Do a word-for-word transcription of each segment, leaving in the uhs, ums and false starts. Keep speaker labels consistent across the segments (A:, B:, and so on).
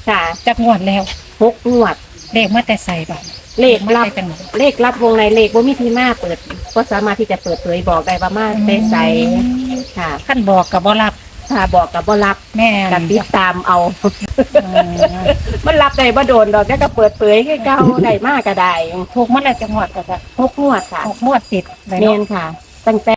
A: ค่ะ
B: จักงวดแล้ว
A: หกงวด
B: เลขมาแต่ใส่บัตร
A: เลขรับเลขรับวงในเลขว่ามีที่มาเปิดก็สามารถที่จะเปิดเผยบอกได้ว่ามาได้ใส่ค่ะ
B: ขั้นบอกกับบ่รับ
A: ถ้าบอกกับบ่รับ
B: แม่
A: กับติดตามเอามันรับได้บ่โดนดอกแค่ก็เปิดเผยให้เก้าได้มากก็ได้
B: ถูกมาแล้วจังหวัดก็จะ
A: หกงวดค่ะ
B: หกงวดติด
A: เนียนค่ะตั้งแต่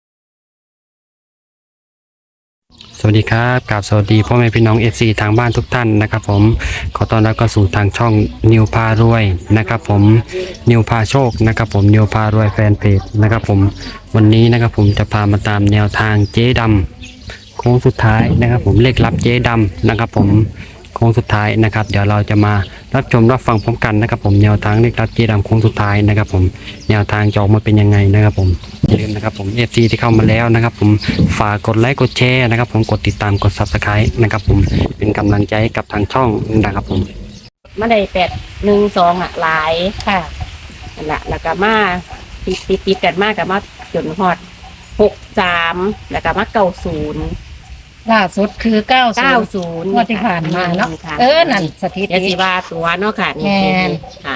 C: สวัสดีครับกราบสวัสดีพ่อแม่พี่น้อง เอฟ ซี ทางบ้านทุกท่านนะครับผมขอต้อนรับเข้าสู่ทางช่องนิวพารวยนะครับผมนิวพาโชคนะครับผมนิวพารวยแฟนเพจนะครับผมวันนี้นะครับผมจะพามาตามแนวทางเจ๊ดำโค้งสุดท้ายนะครับผมเลขลับเจ๊ดำนะครับผมโค้งสุดท้ายนะครับเดี๋ยวเราจะมารับชมรับฟังพร้อมกันนะครับผมแนวทางเลขลับเจ๊ดำโค้งสุดท้ายนะครับผมแนวทางจะออกมาเป็นยังไงนะครับผมอย่าลืมนะครับผม เอฟ ซี ที่เข้ามาแล้วนะครับผมฝากกดไลค์กดแชร์นะครับผมกดติดตามกด ซับสไครบ์ นะครับผมเป็นกำลังใจให้กับทางช่องนะครับผม
A: มาได้แปดหนึ่งสองอ่ะหลาย
B: ค่ะ
A: นั่นแหละแล้วก็มาติดติดติดกันมากกับมาจนฮอดหกสามแล้วก็มาเก้าศูนย์
B: ล่าสุดคือเก้า
A: เก้าศูนย์
B: งวดที่ผ่านมาเนาะเออนั่นสถิติ
A: ยาสีวาตัวเนาะค่ะ
B: นี่
A: ค่ะ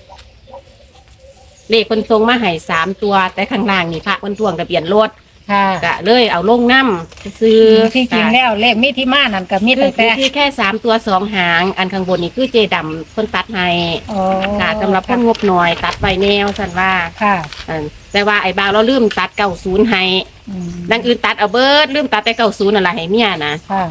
A: เลขคนทรงมาให้สามตัวแต่ข้างล่างนี่พระคนทวงทะเบียนรถ
B: ค่ะ
A: กะเลยเอาลงน้ำซื้อ
B: ที่จริงแล้วเลขมีที่มานั่นกับมีตั้งแต่
A: ที่แค่สามตัวสองหางอันข้างบนนี่คือเจดำคนตัดให้ค่ะสำหรับคนงบหน่อยตัดไว้แนวสันว่า
B: ค่ะ
A: แต่ว่าไอ้บ่าวเราลืมตัดเก้าศูนย์ให้ดังอื่นตัดเอาเบิร์ดลืมตัดแต่เก้าศูนย์อะไรให้เมียนะ
B: ค่ะ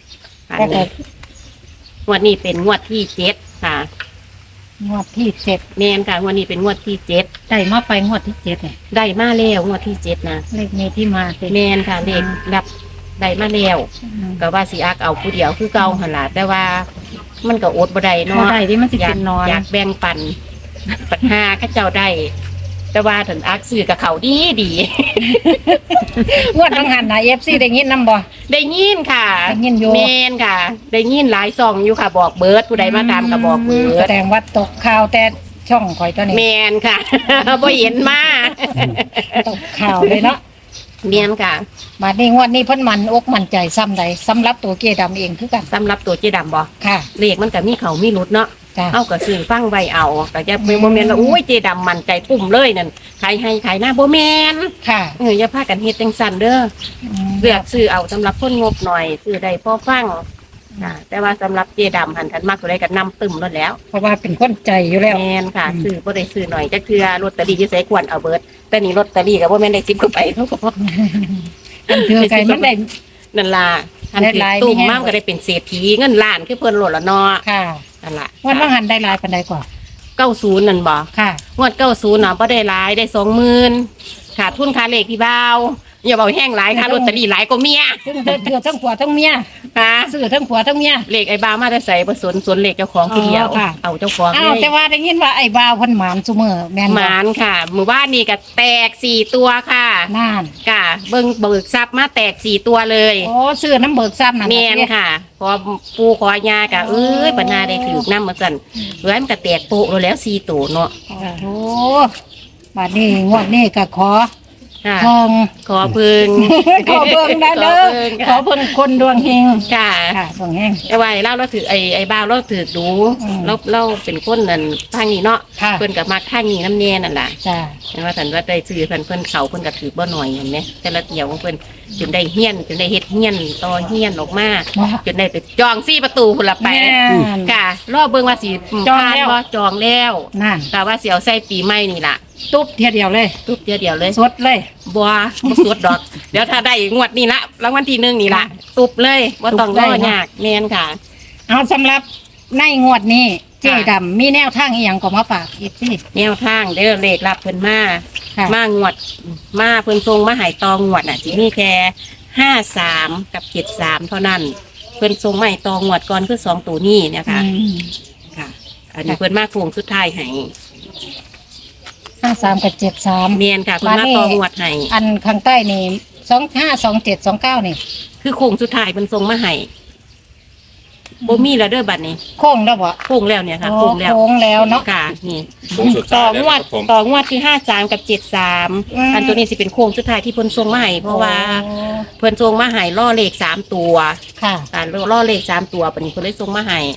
A: งวดนี้เป็นงวดที่เจ็ดค่ะ
B: งวดที่เจ็ด
A: แมนค่ะงวดนี้เป็นงวดที่เจ็ด
B: ได้มาไปงวดที่เจ็ดเนี่ย
A: ได้มาแล้วงวดที่เจ็ดนะ
B: เลขมีที่มา
A: แมนค่ะเลขรับได้มาแล้วก็ว่าสิอักเอาผู้เดียวคือเก่าหันละแต่ว่ามันก็อดบ่ได้เนาะ
B: ได้ที่มันสิเป็นนอน
A: อยากแบ่งปันปัญหาข้าเจ้าได้แต่ว่าถึงอักสื่อกับเขาดีดี
B: งวดบางหันนะเอฟซีได้ยินนำบ่
A: ได้ยินค่ะ
B: ได้ยินอยู่
A: แมนค่ะได้ยินหลายซองอยู่ค่ะบอกเบิร์ดผู้ใดมาตามก็บอกเบิร์ด
B: แสดงว่าตกข่าวแต่ช่องข่อยตัวนี้
A: แมนค่ะบ่เห็นมา
B: ตกข่าวเลยเนาะ
A: แมนค่ะ
B: มาในงวดนี้เพิ่นมันอกมั่นใจซ้ำใดสำหรับตัวเจดำเองคือกัน
A: สำหรับตัวเจดำบ่
B: ค่ะ
A: เลขมันก็มีเขามีรุดเนาะเอากับสื่อฟังไว้เอาแต่จะเป็นโมเมนต์ว่าอุ้ยเจดำมันใจปุ่มเลยนั่นใครให้ใครหน้าโมเมนต์
B: ค่ะ
A: เอออย่าพากันเฮ็ดจังสั่นเด้อเลือกซื้อเอาสำหรับคนงบหน่อยซื้อได้พอฟังแต่ว่าสำหรับเจดำหันทันมากตัวใดกันนำตึมรถแล้ว
B: เพราะว่าเป็นคนใจอยู่แล้ว
A: แมนค่ะซื้อบ่ได้ซื้อหน่อยจะคือลอตเตอรี่ที่ใส่ควรเอาเบิร์ดแต่นี่ลอตเตอรี่กับว่าแม่นได้สิบก็ไปเท่ากับ
B: อันเถื่อไก่มันได้
A: นั่นล่ะอันคือตุ่มมากก็ได้เป็นเศรษฐีเงินล้านคือเพิ่นโหลดละเนาะ
B: ค่ะ
A: นั่นล่ะ
B: วันว่าหันได้หลายปานใดกว่า
A: เก้าศูนย์นั่นบ่
B: ค่ะ
A: งวดเก้าศูนย์น่ะบ่ได้หลายได้สองหมื่นขาดทุนค่าเลขพี่บ่าวอย่าบอกแห้งหลายค่าลอตเตอรี่หลายกว่าเมีย
B: เถื่อทั้งผัวทั้งเมีย
A: ค่ะ
B: ซื้อทั้งผัวทั้งเมีย
A: เลขไอ้บ่าวมาได้ใส่ผสมส่วนเลขเจ้าของผู้เดียวเอาเจ้าของ
B: อ้าวแต่ว่าได้ยินว่าไอ้บ่าวเพิ่นหมานซุมื้อแม่น
A: หมานค่ะหมู่บ้านนี้ก็แตกสี่ตัวค่ะ
B: นั่น
A: ค่ะเบิ่งเบิกทรัพย์มาแตกสี่ตัวเลย
B: โอ้ซื้อน้ำเบิกทรัพย์นั่น
A: แม่นค่ะพอปูขอยาก็เอ้ยปัญหาได้ถูกนำมาสั่นเอ้ยมันก็แตกโปะแล้วสี่ตัวเนาะ
B: โอ้บัดนี้งวดนี้ก็ขอ
A: ทองขอพึ่ง
B: ขอเบิ่งได้เด้อขอเพิ่นคนดวงเฮง
A: ค่ะ
B: ค่ะดวงเฮง
A: ไอ้ไว้เล่าเราถือไอ้ไอ้บ้าเราถือดูเราเราเป็นคนนั่นทางนี้เนาะเพิ่นกับมาทางนี้น้ำเนียนั่นแหละ
B: จ้า
A: เห็นว่าสันว่าได้ซื้อเพิ่นเพิ่นเขาเพิ่นก็ถือบ่หน่อยเห็นไหมแต่ละเกี่ยวของเพิ่นจนได้เฮี้ยนจนได้เฮ็ดเฮี้ยนต่อเฮี้ยนออกมาจนได้ไปจองซี่ประตูพุ่นละไปค่ะรอบเบิ่งว่าสิ
B: จองแล้ว
A: บ่จองแล้ว
B: นั่น
A: แต่ว่าสิเอาใส่ปีใหม่นี่ล่ะ
B: ตุ๊บเทียเดียวเลย
A: ตุ๊บเทียเดียวเลย
B: สดเลย
A: บัวบ่สดดอกเดี๋ยวถ้าได้งวดนี้ละรางวัลที่หนึ่งนี่ละตุ๊บเลยบ่ต้องรอยากแม่นค่ะ
B: เอาสำหรับในงวดนี้เจ๊ดำมีแนวทางอีหยังก็มาฝากอีกสิ
A: แนวทางเด้อเลขรับเพิ่นมามางวดมาเพิ่นทรงมาให้ตองวดน่ะสิมีแค่ห้าสามกับเจ็ดสามเท่านั้นเพิ่นทรงมาให้ตองวดก่อนคือสองตัวนี้เนี่ยค่ะค่ะอันนี้เพิ่นมาโค้งสุดท้ายให้
B: ห้าสามกับเจ็ดสาม
A: เมียนค่ะคุณมาตองวดให้
B: อันข้างใต้นี่สองห้าสองเจ็ดสองเก้านี่
A: คือโค้งสุดท้ายเป็นทรงมาให้บ่มีแล้วเด้อบัดนี้
B: โค้งแล้วบ่
A: โค้งแล้วเนี่ยค่ะโค้งแล้ว
B: โค้งแล้วเนาะ
A: ค่ะนี่ต่องวดต่องวดที่ห้าสามกับเจ็ดสามอันตัวนี้สิเป็นโค้งสุดท้ายที่เพิ่นทรงมาให้เพราะว่าเพิ่นทรงมาให้ล่อเลขสามตัว
B: ค่ะ
A: การล่อเลขสามตัวบัดนี้เพิ่นเลยทรงมาให้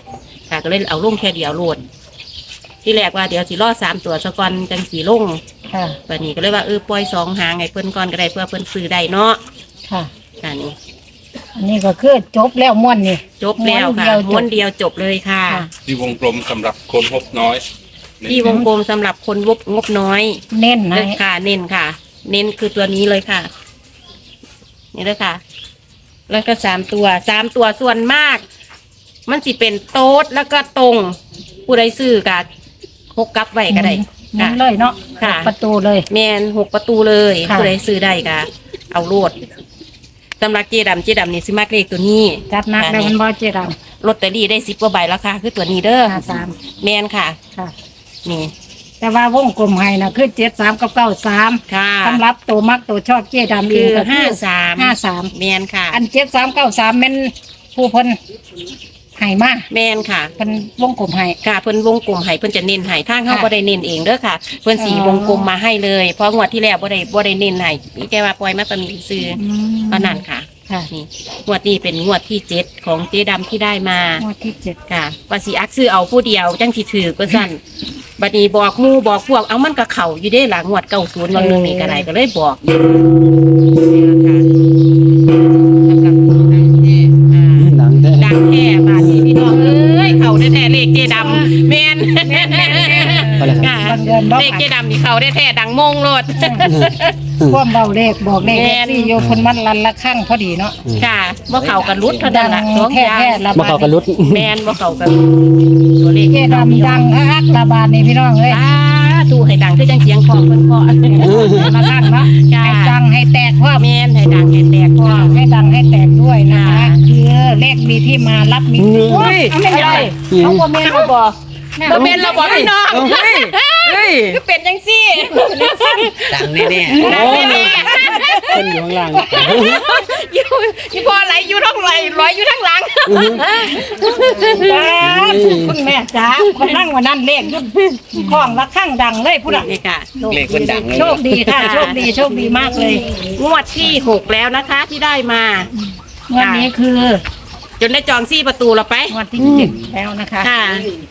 A: ค่ะก็เลยเอาลงแค่เดียวโหลด ที่แรกว่าเดี๋ยวสิรอสามตัวซะก่อนจังสีลง
B: ค่ะ
A: วันนี้ก็เลยว่าเออปล่อยสองหางไงเพิ่นก่อนก็ได้เพื่อเพิ่นซื้อได้เนาะ
B: ค่ะ
A: ค่ะนี่
B: อันนี้ก็คือจบแล้วม่วนนี่
A: จบแล้วค่ะม้วนเดียวจบเลยค่ะ
B: ค่ะ
D: ที่วงกลมสำหรับคนงบน้อย
A: ที่วงกลมสำหรับคนงบงบน้อย
B: เน้นให้
A: เลยค่ะ เน้นค่ะ เน้นคือตัวนี้เลยค่ะ นี่เลยค่ะ แล้วก็สามตัวสามตัวส่วนมาก มันสิเป็นโต๊ดแล้วก็ตรง ผู้ใดซื้อกับหกกลับไว้ก็ได้
B: หมุ
A: ค่ะ
B: นเลยเนาะ
A: ค่ะ
B: ประตูเลย
A: แมนหกประตูเลย
B: ค่ะ
A: ผู้ใดซื้อได้ก็เอาโลดสำหรับเจดำเจดำนี่สิมากเลขตัวนี้
B: จัดหนักได้มันบ่เจด
A: ลอตเตอรี่ได้สิบกว่าใบแล้วค่ะ คือตัวนี้เด้อ
B: ำห้าสาม
A: แมนค่ะ
B: ค่ะ
A: นี่
B: แต่ว่าวงกลมให้นะคือเจ็ดสามกับเก้าสาม
A: ค่ะ
B: สำหรับตัวมักตัวชอบเจดำเอ
A: คื
B: ง
A: อ
B: ก็
A: ห้าสาม
B: ห้าสาม
A: แมนค่ะ
B: อันเจ็ดสามเก้าสามเป็นผู้เพิ่นให้มา
A: แมนค่ะ
B: เพิ่นวงกลมให้
A: ค่ะเพิ่นวงกลมให้เพิ่นจะเน้นให้ทางเฮา
B: ค่ะ
A: บ่ได้เน้นเองเด้อค่ะ เพิ่นสี
B: อ๋อ
A: วงกลมมาให้เลย เพราะงวดที่แล้วบ่ได้บ่ได้เน้นให้มีแค่ว่าปล่อยมาตะมีซื้อเพราะนั้นค่ะ
B: ค่ะ
A: นี่งวดนี้เป็นงวดที่เจ็ดของเจ๊ดำที่ได้มา
B: งวดที่เจ็ด
A: ค่ะว่าสิอักซื้อเอาผู้เดียวจังสิถือก็สั่น บัดนี้บอกหมู่บอกพวกเอามันก็เข้าอยู่เด้หลังงวดเก้าศูนย์วันหนึงนี่ก็ได้ก็เลยบอกอยู่นี่ล่ะค่ะสำหรับคนดังแท้อ่า
C: หนังแท้
A: ดังแท้บาดนี้พี่น้องเอ้ยเข้าได้แท้เลขเจ๊ดำแม่นค่ะ
B: บางเดือนบ่
A: เลขเจ๊ดำนี่เข้าได้แท้ดังมงโลด
B: ความเบาเลขบอกเลข
A: แม่น
B: ที่โยเพิ่นมันลันละข้างพอดีเนาะ
A: ค่ะบ่เข้ากันรุดเท่า
B: ดั
A: นั้น
B: ง
A: ล่ะสอง
B: แท้
A: อย่าง
B: แท้ระ
C: มา
B: บา
C: เข้า
B: ด
C: กันรุด
A: แม่นบ่เข้ากันตัวเลข
B: เจดำดังฮักระบาดนี่พี่น้องเอ้ย
A: อ่าตู้ให้ดังคือจังเสียงของเพิ่นเคาะ
B: มาข้างเนาะ
A: จ้า
B: ให้ดังให้แตกว่า
A: แม่นให้ดังให้แตกพร้อม
B: ให้ดังให้แตกด้วยนะคะ
A: ค่ะ
B: คือเลขมีที่มารับมีที่
A: เฮ้ย
B: เอาไม่ได้เขาบ่แม่นเขาบ่
A: บ่แม่นเราบ่พี่น้องเฮ้ยเฮ้ยคือเป็นจังซี่
E: ดังแน่
A: ดังแน่
C: คนอยู่ข้างล่าง
A: ๆอยู่อยู่พอไหลอยู่ท้องไหลร้อยอยู่ทั้งหลัง
B: จ้าคุณแม่จ้าวันนั่งวันนั้นเลขยุ่ของละข้างดังเลยผู้ใด
A: นี่ค่ะ
E: ๆเลขคนดังเลย
B: โชคดีค่ะโชคดีโชคดีมากเลย
A: งวดที่หกแล้วนะคะที่ได้มา
B: วันนี้คือ
A: จนได้จองซี่ประตูเราไป
B: วันที่เจ็ดแล้วนะคะ
A: ค่ะ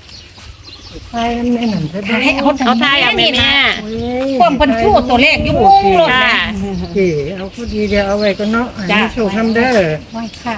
B: ให้เอา
A: เขาทายเอาแม่แม่
B: ความเพิ่นชู้ตัวเลขอยู่มุ้งโลด
A: ค่ะ
B: นะ
F: โอเคเอาพอดีเดี๋ยวเอาไว้ก็เนาะอัน
A: จ้ะ
F: นี้โชคน้ำเด้อ
B: ไว้ค่ะ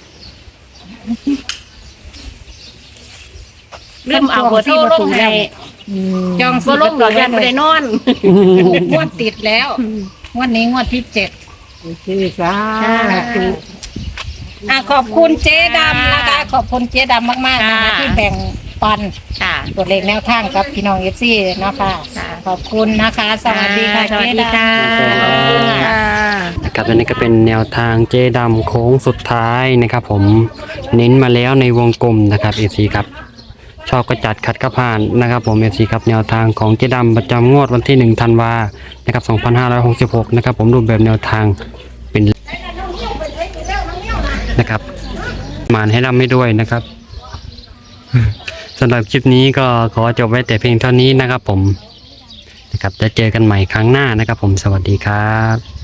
A: เริ่มเอาเบอร์โทรลงให้
F: อืม
B: จอง
A: บ่ลงดอกยันไม่ได้นอน
B: งวดติดแล้วงวันนี้งวดที่เจ็ด
F: โอเคสาธุ
B: อ่ะขอบคุณเจ๊ดำนะคะ ขอบคุณเจ๊ดำมากๆนะคะ
A: ค่ะ
B: ที่แบ่งปัน
A: ค่ะ
B: ตัวเลขแนวทางกับพี่น้องเอฟซีนะคะ
A: ค่ะ
B: ขอบคุณนะคะ สวัสดีค่ะ
A: สวัส
B: เจ๊
A: ดี
B: ดำ
A: ค่ะ
C: นะครับอันนี้ก็เป็นแนวทางเจดำโค้งสุดท้ายนะครับ ผมเน้นมาแล้วในวงกลมนะครับเอซีครับชอบก็จัดขัดก็ผ่านนะครับ ผมเอซีครับแนวทางของเจดำประจำงวดวันที่หนึ่งธันวานะครับสองพันห้าร้อยหกสิบหกนะครับผมรูปแบบแนวทางเป็นนะครับมานให้ร่ำให้ด้วยนะครับ สำหรับคลิปนี้ก็ขอจบไว้แต่เพียงเท่านี้นะครับผมนะครับจะเจอกันใหม่ครั้งหน้านะครับผมสวัสดีครับ